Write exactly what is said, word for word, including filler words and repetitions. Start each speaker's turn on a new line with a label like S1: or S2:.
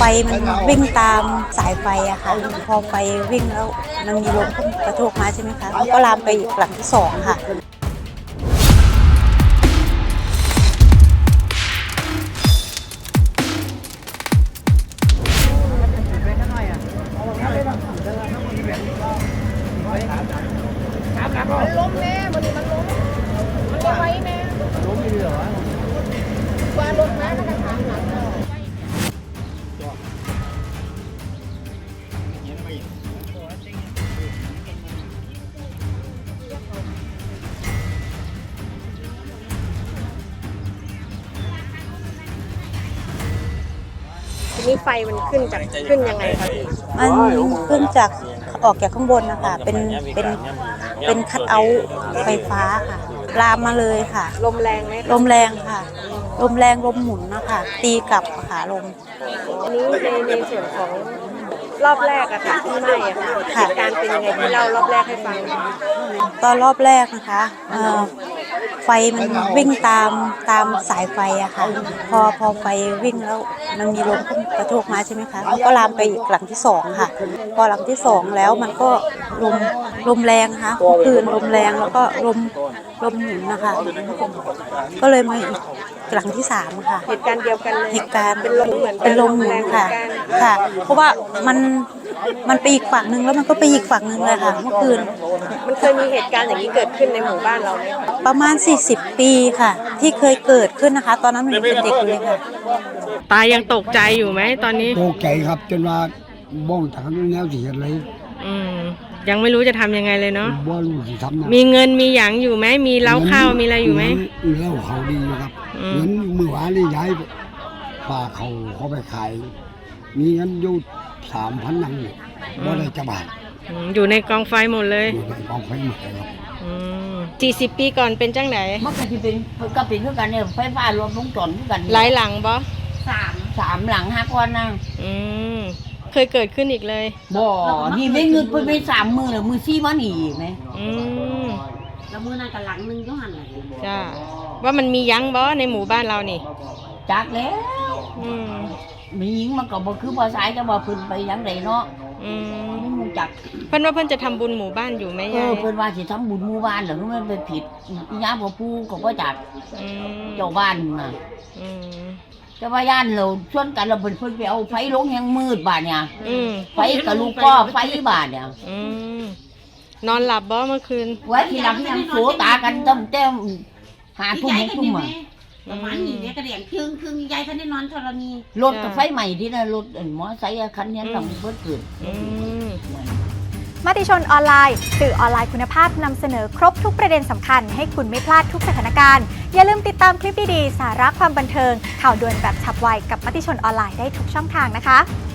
S1: ไฟมันวิ่งตามสายไฟอะค่ะพอไฟวิ่งแล้วมันมีลมกระโชกมาใช่ไหมคะมันก็ลามไปหลังที่สองค่ะ
S2: มันล้มแม่มันมันล้มมันก็ไว้แม่ล้มอยู่เหรอว่ารถแม่ก็จะทางหลังทีนี้ไฟมันขึ้นจากขึ้นยังไงคะพี่
S1: มันขึ้นจากออกจากข้างบนนะคะเป็นเป็นเป็นคัทเอาท์ไฟฟ้าค่ะลามมาเลยค่ะ
S2: ลมแรงไหม
S1: ลมแรงค่ะลมแรงลมหมุนนะคะตีกลับค่ะลม
S2: อันนี้ในในส่วนของรอบแรกอะค่ะที่ไหม้อะค่ะเหตุการณ์เป็นยังไงที่เล่ารอบแรกให้ฟัง
S1: ตอนรอบแรกนะคะไฟมันวิ่งตามตามสายไฟอะค่ะพอพอไฟวิ่งแล้วมันมีลมกระโชกมาใช่ไหมคะมันก็ลามไปอีกหลังที่สองค่ะพอหลังที่สองแล้วมันก็ลมลมแรงค่ะคลื่นลมแรงแล้วก็ลมลมหมุนนะคะก็เลยมาอีกหลังที่สามค่ะ
S2: เหตุการณ์เดียวกันเลย
S1: เหตุการณ์
S2: เป็นลมเหมือน
S1: เป็นลมหมุนค่ะค่ะเพราะว่ามันมันไปอีกฝั่งนึงแล้วมันก็ไปอีกฝั่งนึงเลยค่ะเมื่อคืน
S2: มันเคยมีเหตุการณ์อย่างนี้เกิดขึ้นในหมู่บ้านเราไหม
S1: ประมาณสี่สิบปีค่ะที่เคยเกิดขึ้นนะคะตอนนั้นหนูเป็นเด็กอยู่เลยค่ะ
S2: ตายังตกใจอยู่ไหมตอนนี้
S3: ตกใจครับจนว่าบ้องทางแนวสิเฮ็ดเลย
S2: อืมยังไม่รู้จะทำยังไงเลยเนาะ
S3: บ่รู้สิทำ
S2: มีเงินมีหยังอยู่ไหมมีเล้าข้าวมีอะไรอยู่ไหม
S3: เล้าเขาดีอยู่ครับเงินมื้อวานนี่ย้ายป้าเขาเขาไปขายมีเงินอยู่ สามพัน นังนี่บ่ได้จะบาท
S2: อยู่ในกองไฟหมดเลย
S3: อยู่ในกองไฟหมดเลยครับ
S2: อืมสี่สิบปีก่อนเป็นจังไหน
S4: มันก็สิเป็นก็เป็นคือกันเนี่ยไฟฟ้ารวมวงจรคือกัน
S2: หลายหลังบ่
S4: สามสามหลังห้าก้อนนะ
S2: อืมเคยเกิดขึ้นอีกเลย
S4: บ่นี่ไม่เงินเพิ่นไปสามมื้อแล้วมื้อสี่มานี่อีกมั้ย
S2: อืม
S4: แล้วมื้อนั้นก็หลังนึงอยู่หั่นน่ะ
S2: จ้าว่ามันมียังบ่ในหมู่บ้านเรานี่
S4: จักแล้ว
S2: อืม
S4: มีหญิงมันก็บ่คือบ่สายจะบ่เพิ่นไปยังไดเนาะ
S2: อืม
S4: มันจัก
S2: เพิ่นว่าเพิ่นจะทำบุญหมู่บ้านอยู่มั้ยยาย
S4: เออเพิ่นว่าสิทำบุญหมู่บ้านแล้วมันไปผิดอีหยังบ่ปู่ก็บ่จัก
S2: อืม
S4: เจ้าบ้านน่ะ
S2: อืม
S4: แต่ว่าย่านเราชวนกันเราเพิ่นเพิ่นไปเอาไฟลงแฮงมืดบาดเนี่ย
S2: อืม
S4: ไฟกับลูกก็ไฟบาดเนี่ย
S2: อืมนอนหลับบ่เมื่อคืน
S4: ไว้ที่หลังยังโสตากันตั้งแต่หาทุ่มทุ่มอ่ะ
S5: ประมาณนี้เนี่ยกระเดียงครึ่งครึ่งยายท่านได้นอนธรณี
S4: รถกับไฟใหม่ที่นั่นรถมอไซค์คันนี้ต้องเพิ่มขึ้น
S6: มติชนออนไลน์สื่อออนไลน์คุณภาพนำเสนอครบทุกประเด็นสำคัญให้คุณไม่พลาดทุกสถานการณ์อย่าลืมติดตามคลิปดีๆสาระความบันเทิงข่าวด่วนแบบฉับไวกับมติชนออนไลน์ได้ทุกช่องทางนะคะ